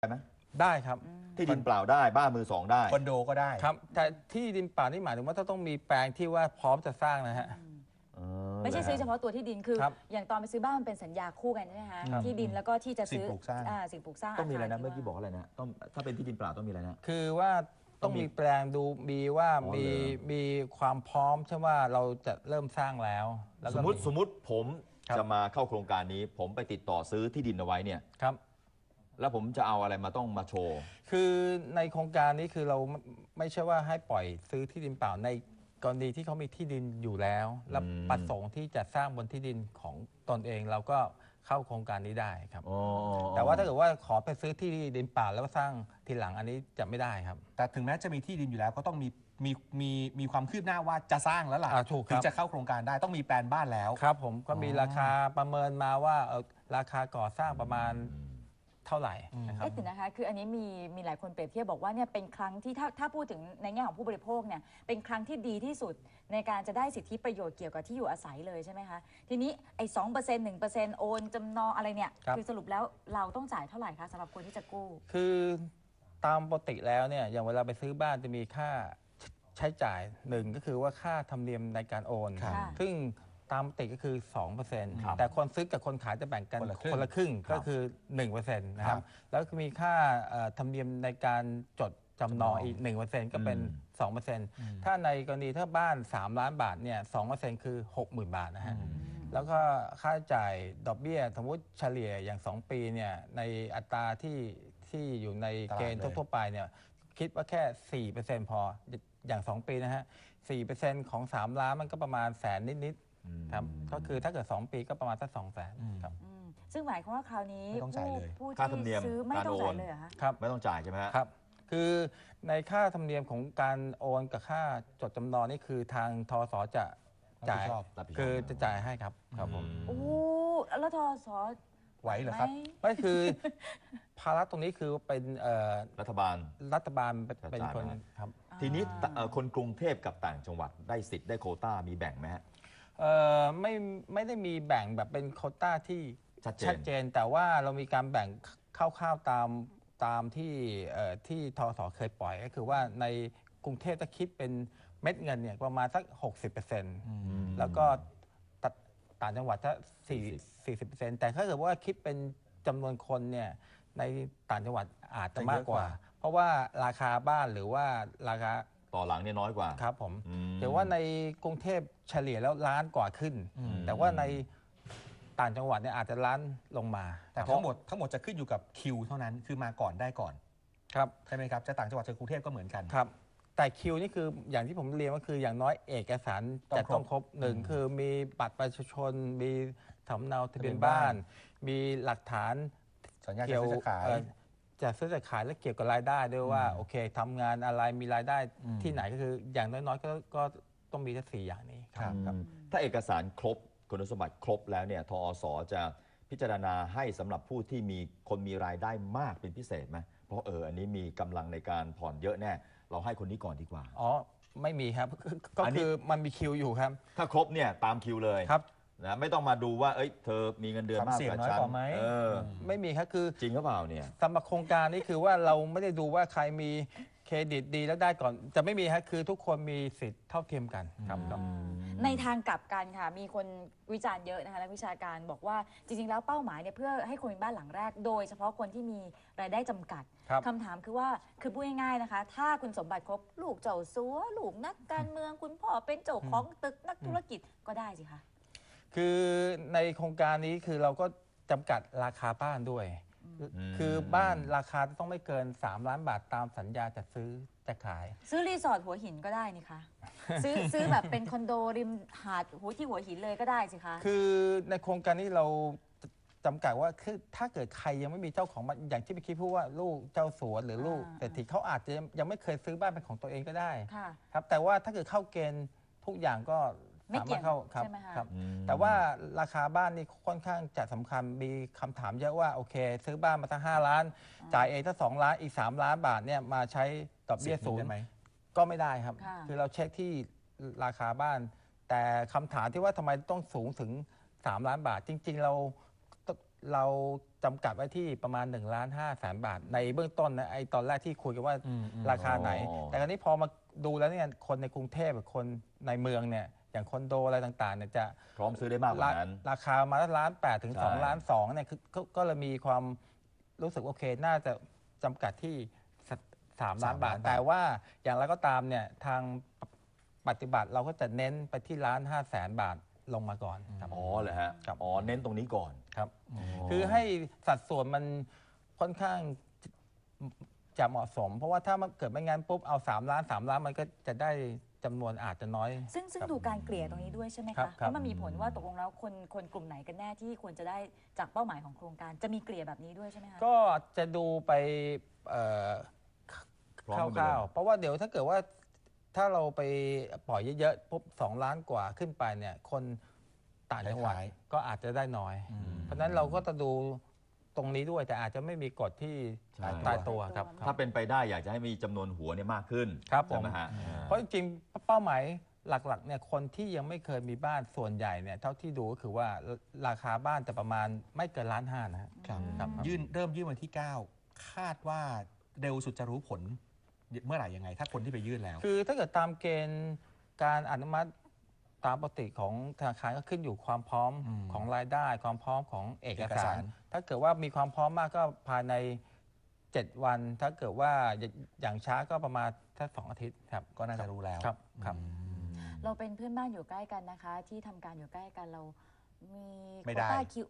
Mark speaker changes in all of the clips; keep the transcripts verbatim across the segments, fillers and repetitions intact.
Speaker 1: ไหม
Speaker 2: ได้ครับ
Speaker 1: ที่ดินเปล่าได้บ้านมือสองได้
Speaker 3: คอนโดก็ได้
Speaker 2: ครับแต่ที่ดินเปล่านี่หมายถึงว่าต้องมีแปลงที่ว่าพร้อมจะสร้างนะฮะ
Speaker 4: ไม่ใช่ซื้อเฉพาะตัวที่ดินคืออย่างตอนไปซื้อบ้านมันเป็นสัญญาคู่กันใช่ไหมคะที่ดินแล้วก็ที่จะซื้อสิ่งปลูกสร้าง
Speaker 1: ต้องมีอะไรนะเมื่อกี้บอกอะไรนะต้องถ้าเป็นที่ดินเปล่าต้องมีอะไรนะ
Speaker 2: คือว่าต้องมีแปลงดูมีว่ามีมีความพร้อมใช่ว่าเราจะเริ่มสร้างแล้ว
Speaker 1: สมมติสมมติผมจะมาเข้าโครงการนี้ผมไปติดต่อซื้อที่ดินเอาไว้เนี่ย
Speaker 2: ครับ
Speaker 1: แล้วผมจะเอาอะไรมาต้องมาโชว์
Speaker 2: คือในโครงการนี้คือเราไม่ใช่ว่าให้ปล่อยซื้อที่ดินเปล่าในกรณีที่เขามีที่ดินอยู่แล้วและประสงค์ที่จะสร้างบนที่ดินของตนเองเราก็เข้าโครงการนี้ได้ครับแต่ว่าถ้าเกิดว่าขอไปซื้อที่ดินเปล่าแล้วก็สร้างทีหลังอันนี้จะไม่ได้ครับ
Speaker 3: แต่ถึงแม้จะมีที่ดินอยู่แล้วก็ต้องมีมีมีมีความคืบหน้าว่าจะสร้างแล้วล่ะถึงจะเข้าโครงการได้ต้องมีแปลนบ้านแล้ว
Speaker 2: ครับผมก็มีราคาประเมินมาว่าราคาก่อสร้างประมาณเท่าไหร่นะครับ
Speaker 4: เอ๊ะนะคะคืออันนี้มีมีหลายคนเปรียบเทียบบอกว่าเนี่ยเป็นครั้งที่ถ้าถ้าพูดถึงในแง่ของผู้บริโภคเนี่ยเป็นครั้งที่ดีที่สุดในการจะได้สิทธิประโยชน์เกี่ยวกับที่อยู่อาศัยเลยใช่ไหมคะทีนี้ไอ้สองเปอร์เซ็นต์หนึ่งเปอร์เซ็นต์โอนจำนองอะไรเนี่ยคือสรุปแล้วเราต้องจ่ายเท่าไหร่คะสำหรับคนที่จะกู้
Speaker 2: คือตามปกติแล้วเนี่ยอย่างเวลาไปซื้อบ้านจะมีค่าใช้จ่ายหนึ่งก็คือว่าค่าธรรมเนียมในการโอนซึ่งตามปกติก็คือ สองเปอร์เซ็นต์ แต่คนซื้อกับคนขายจะแบ่งกันคนละครึ่งก็คือ หนึ่งเปอร์เซ็นต์ นะครับแล้วก็มีค่าธรรมเนียมในการจดจำนองอีก หนึ่งเปอร์เซ็นต์ ก็เป็น สองเปอร์เซ็นต์ ถ้าในกรณีถ้าบ้านสามล้านบาทเนี่ย สองเปอร์เซ็นต์ คือ หกหมื่น บาทนะฮะแล้วก็ค่าใช้จ่ายดอกเบี้ยสมมติเฉลี่ยอย่างสองปีเนี่ยในอัตราที่ที่อยู่ในเกณฑ์ทั่วๆไปเนี่ยคิดว่าแค่ สี่เปอร์เซ็นต์ พออย่างสองปีนะฮะ สี่เปอร์เซ็นต์ ของสามล้านมันก็ประมาณแสนนิดๆครับก็คือถ้าเกิดสองปีก็ประมาณสักสองแสนครับ
Speaker 4: ซึ่งหมายความว่าคราวนี้ผู้
Speaker 1: ค่าธรรมเนียม
Speaker 4: ซื้อไม่ต้องจ่ายเลยเหรอคะ
Speaker 2: ครับ
Speaker 1: ไม่ต้องจ่ายใช่ไหม
Speaker 2: ครับคือในค่าธรรมเนียมของการโอนกับค่าจดจำนองนี่คือทางทสจะจ่ายคือจะจ่ายให้ครับครับผม
Speaker 4: โอ้แล้วทส
Speaker 3: ไหวเหรอครับ
Speaker 2: ไม่คือภาระตรงนี้คือเป็น
Speaker 1: รัฐบาล
Speaker 2: รัฐบาลเป็นคนครับ
Speaker 1: ทีนี้คนกรุงเทพกับต่างจังหวัดได้สิทธิ์ได้โควต้ามีแบ่งไหมฮะ
Speaker 2: ไม่ไม่ได้มีแบ่งแบบเป็นโควต้าที่
Speaker 1: ชัด
Speaker 2: เจนแต่ว่าเรามีการแบ่งคร่าวๆตามตามที่ที่ทสเคยปล่อยก็คือว่าในกรุงเทพจะคิดเป็นเม็ดเงินเนี่ยประมาณสัก หกสิบเปอร์เซ็นต์ แล้วก็ต่างจังหวัดจะสี่สิบเปอร์เซ็นต์แต่ถ้าเกิดว่าคิดเป็นจำนวนคนเนี่ยในต่างจังหวัดอาจจะมากกว่าเพราะว่าราคาบ้านหรือว่าราคา
Speaker 1: ต่อหลังเนี่ยน้อยกว่า
Speaker 2: ครับผมแต่ว่าในกรุงเทพเฉลี่ยแล้วล้านกว่าขึ้นแต่ว่าในต่างจังหวัดเนี่ยอาจจะล้านลงมา
Speaker 3: แต่ทั้งหมดทั้งหมดจะขึ้นอยู่กับคิวเท่านั้นคือมาก่อนได้ก่อน
Speaker 2: ครับ
Speaker 3: ใช่ไหมครับจะต่างจังหวัดจะกรุงเทพก็เหมือนกัน
Speaker 2: ครับแต่คิวนี่คืออย่างที่ผมเรียนว่าคืออย่างน้อยเอกสารจะต้องครบหนึ่งคือมีบัตรประชาชนมีสำเนาทะเบียนบ้านมีหลักฐาน
Speaker 3: สัญญาจะซื้อจะขาย
Speaker 2: จะซื้อจะขายและเกี่ยวกับรายได้ด้วยว่าโอเคทำงานอะไรมีรายได้ที่ไหนก็คืออย่างน้อยๆก็ก็ต้องมีทั้งสี่อย่างนี้
Speaker 1: ครับถ้าเอกสารครบคุณสมบัติครบแล้วเนี่ยทอสจะพิจารณาให้สำหรับผู้ที่มีคนมีรายได้มากเป็นพิเศษไหมเพราะเอออันนี้มีกำลังในการผ่อนเยอะแน่เราให้คนนี้ก่อนดีกว่า
Speaker 2: อ๋อไม่มีครับก็คือมันมีคิวอยู่ครับ
Speaker 1: ถ้าครบเนี่ยตามคิวเลย
Speaker 2: ครับ
Speaker 1: นะไม่ต้องมาดูว่าเอ้ยเธอมีเงินเดือนมากกว่าฉัน
Speaker 3: เอ
Speaker 2: อไม่มีครับคือ
Speaker 1: จริงหรือเปล่าเนี่ย
Speaker 2: สำหรับโครงการนี้คือว่าเราไม่ได้ดูว่าใครมีเครดิตดีแล้วได้ก่อนจะไม่มีครับคือทุกคนมีสิทธิ์เท่าเทียมกันครับ
Speaker 4: ในทางกลับกันค่ะมีคนวิจารณ์เยอะนะคะนักวิชาการบอกว่าจริงๆแล้วเป้าหมายเนี่ยเพื่อให้คนมีบ้านหลังแรกโดยเฉพาะคนที่มีรายได้จำกัดคำถามคือว่าคือพูดง่ายๆนะคะถ้าคุณสมบัติครบลูกเจ้าสัวลูกนักการเมืองคุณพ่อเป็นเจ้าของตึกนักธุรกิจก็ได้สิคะ
Speaker 2: คือในโครงการนี้คือเราก็จำกัดราคาบ้านด้วยคือบ้านราคาต้องไม่เกินสามล้านบาทตามสัญญาจะซื้อจะขาย
Speaker 4: ซื้อรีสอร์ทหัวหินก็ได้นี่คะซื้อซื้อแบบเป็นคอนโดริมหาดหัวที่หัวหินเลยก็ได้สิคะ
Speaker 2: คือในโครงการนี้เราจำกัดว่าคือถ้าเกิดใครยังไม่มีเจ้าของบ้านอย่างที่เมื่อกี้พูดว่าลูกเจ้าสัวหรือลูกแต่ที่เขาอาจจะยังไม่เคยซื้อบ้านเป็นของตัวเองก็ได้ครับแต่ว่าถ้าเกิดเข้าเกณฑ์ทุกอย่างก็
Speaker 4: สามารถเข้า
Speaker 2: ครับครับแต่ว่าราคาบ้านนี่ค่อนข้างจะสำคัญมีคำถามเยอะว่าโอเคซื้อบ้านมาตั้งห้าล้านจ่ายเองถ้าสองล้านอีกสามล้านบาทเนี่ยมาใช้ดอกเบี้ยศูนย์ก็ไม่ได้ครับคือเราเช็คที่ราคาบ้านแต่คำถามที่ว่าทำไมต้องสูงถึงสามล้านบาทจริงๆเราเราจำกัดไว้ที่ประมาณ1นึ่งล้านห้าแสนบาท ในเบื้องต้นนะไอ้ตอนแรกที่คุยกันว่า
Speaker 3: อืมอืม
Speaker 2: ราคาไหน
Speaker 1: อ๋อ
Speaker 2: แต่คราวนี้พอมาดูแล้วเนี่ยคนในกรุงเทพกับคนในเมืองเนี่ยอย่างคอนโดอะไรต่างๆเนี่ยจะ
Speaker 1: พร้อมซื้อได้มากกว่านั้น
Speaker 2: ราคามาล้านแปดถึง
Speaker 1: ใช่
Speaker 2: สองล้านสองเนี่ยคือก็ก็เลยมีความรู้สึกโอเค น่าจะจำกัดที่สามล้านบาท แต่ว่าอย่างไรก็ตามเนี่ยทางปฏิบัติเราก็จะเน้นไปที่ล้านห้าแสนบาทลงมาก่อนครับ
Speaker 1: อ๋อเหรอฮะ
Speaker 2: ครับ
Speaker 1: อ๋อเน้นตรงนี้ก่อน
Speaker 2: ครับ
Speaker 1: อ๋อ
Speaker 2: คือให้สัดส่วนมันค่อนข้างจะเหมาะสม เพราะว่าถ้ามันเกิดไม่งั้นปุ๊บเอาสามล้านสามล้านมันก็จะได้จำนวนอาจจะน้อย
Speaker 4: ซึ่งซึ่ง
Speaker 2: ครับ
Speaker 4: ดูการเกลี่ยตรงนี้ด้วยใช่ไหม
Speaker 2: ครั
Speaker 4: คะ
Speaker 2: บครับ
Speaker 4: ว่ามันมีผลว่าตกลงแล้วคนคนกลุ่มไหนกันแน่ที่ควรจะได้จากเป้าหมายของโครงการจะมีเกลี่ยแบบนี้ด้วยใช่ไหมคะ
Speaker 2: ก็จะดูไปเอ่อ
Speaker 1: พร้อม
Speaker 2: ค
Speaker 1: กันไปเลย
Speaker 2: ร่าวๆ เพราะว่าเดี๋ยวถ้าเกิดว่าถ้าเราไปปล่อยเยอะๆปุ๊บสองล้านกว่าขึ้นไปเนี่ยคนต่างจังหวัด
Speaker 3: ขาย
Speaker 2: ก็อาจจะได้น้อย
Speaker 3: อืม
Speaker 2: เพราะฉะนั้นเราก็จะดูตรงนี้ด้วยแต่อาจจะไม่มีกฎที่
Speaker 1: ใช่
Speaker 2: ตายตัวครับ
Speaker 1: ถ้าเป็นไปได้อยากจะให้มีจำนวนหัวเนี่ยมากขึ้น
Speaker 2: ครับผม
Speaker 1: ใช่ไหมฮะ
Speaker 2: เพราะจริงๆเป้าหมายหลักๆเนี่ยคนที่ยังไม่เคยมีบ้านส่วนใหญ่เนี่ยเท่าที่ดูก็คือว่าราคาบ้านจะประมาณไม่เกินล้านห้านะฮะ
Speaker 3: ครับ
Speaker 2: ครับ
Speaker 3: ยื่นเริ่มยื่นวันที่ เก้า คาดว่าเร็วสุดจะรู้ผลเมื่อไหร่ยังไง ถ้าคนที่ไปยื่นแล้ว
Speaker 2: คือถ้าเกิดตามเกณฑ์การอนุมัติตามปกติของธนาคารก็ขึ้นอยู่ความพร้อม
Speaker 3: อืม
Speaker 2: ของรายได้ ความพร้อมของเอก
Speaker 3: เอก
Speaker 2: สา
Speaker 3: สาร ร
Speaker 2: ถ้าเกิดว่ามีความพร้อมมากก็ภายในเจ็ดวัน ถ้าเกิดว่าอย่างช้าก็ประมาณถ้าสองอาทิตย์ครับ
Speaker 3: ก็น่าจะรู้แล้ว
Speaker 2: ครับครับ
Speaker 3: อืม
Speaker 4: เราเป็นเพื่อนบ้านอยู่ใกล้กันนะคะ ที่ทำการอยู่ใกล้กันเรามี
Speaker 3: ไม่ได้
Speaker 4: โควต้าคิว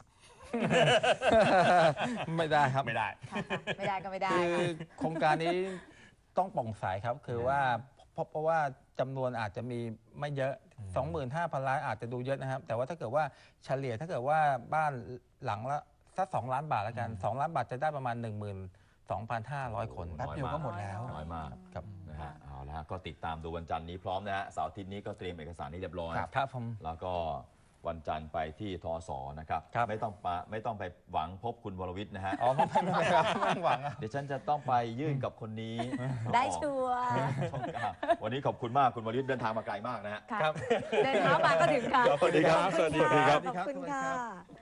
Speaker 2: ไม่ได้ครับ
Speaker 3: ไม่ได้
Speaker 4: ค่ะค่ะไม่ได้ก็ไม่ได้
Speaker 2: คือ
Speaker 4: ค่ะ
Speaker 2: โครงการนี้ต้องโปร่งใสครับ คือว่าเพราะเพราะว่าจำนวนอาจจะมีไม่เยอะ สองหมื่นห้าพัน ล้านอาจจะดูเยอะนะครับ แต่ว่าถ้าเกิดว่าเฉลี่ยถ้าเกิดว่าบ้านหลังละสักสองล้านบาทแล้วกัน
Speaker 3: อืม
Speaker 2: สองล้านบาทจะได้ประมาณ หนึ่งหมื่นสองพันห้าร้อย คน
Speaker 3: แป๊บเดียวก็หมดแล้ว
Speaker 1: น้อยมาก
Speaker 2: ครับ
Speaker 1: นะฮะเอาละฮะก็ติดตามดูวันจันทร์นี้พร้อมนะฮะเสาร์อาทิตย์นี้ก็เตรียมเอกสารให้เรียบร้อย
Speaker 3: ครับ
Speaker 2: ครับผม
Speaker 1: แล้วก็วันจันทร์ไปที่ทอสนะครับ
Speaker 2: ครับ
Speaker 1: ไม่ต้องปะไม่ต้องไปหวังพบคุณวรวิทย์นะฮะ
Speaker 2: อ๋อไม่ไม่ไม่ครับไม่หวังอะ
Speaker 1: เดี๋ยวฉันจะต้องไปยื่นกับคนนี้
Speaker 4: ได้ชัวร์
Speaker 1: ช่องเก้าวันนี้ขอบคุณมากคุณวรวิทย์เดินทางมาไกลมากนะฮะ
Speaker 4: ค่ะ
Speaker 2: ครับ
Speaker 4: เดินเท้ามาก็ถึงค่ะ
Speaker 1: สวัสดีครับ
Speaker 4: ขอณ
Speaker 1: สวัสดีครับ
Speaker 4: ขอบคุณค่ะ